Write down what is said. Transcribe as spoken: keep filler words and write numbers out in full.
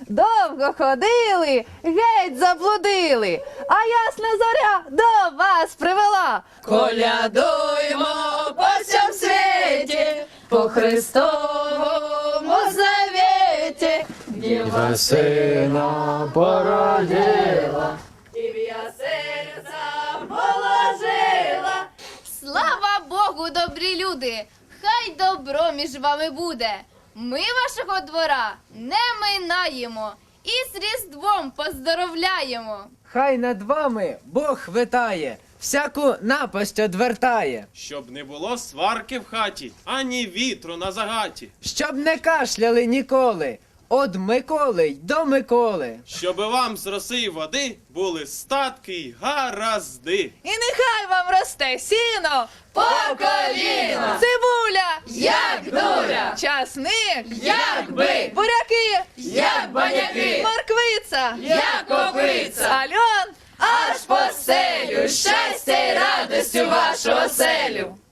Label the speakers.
Speaker 1: довго ходили, геть заблудили, а ясна зоря до вас привела.
Speaker 2: Колядуймо по всьому світі, по Христовому завіті.
Speaker 3: Діва сина породила,
Speaker 2: І в я серця положила.
Speaker 4: Слава Богу, добрі люди! Хай добро між вами буде. Ми вашого двора не минаємо і з Різдвом поздоровляємо.
Speaker 5: Хай над вами Бог витає, всяку напасть одвертає,
Speaker 6: Щоб не було сварки в хаті, ані вітру на загаті.
Speaker 5: щоб не кашляли ніколи, од Миколи й до Миколи.
Speaker 6: Щоби вам з роси й води були статки й гаразди.
Speaker 1: І нехай вам росте сіно,
Speaker 2: По коліна,
Speaker 1: цибуля,
Speaker 2: як дуля,
Speaker 1: часник,
Speaker 2: як бик,
Speaker 1: буряки,
Speaker 2: як баняки,
Speaker 1: морквиця,
Speaker 2: як копиця.
Speaker 1: альон.
Speaker 2: Аж по селю, щастя й радістю вашу оселю.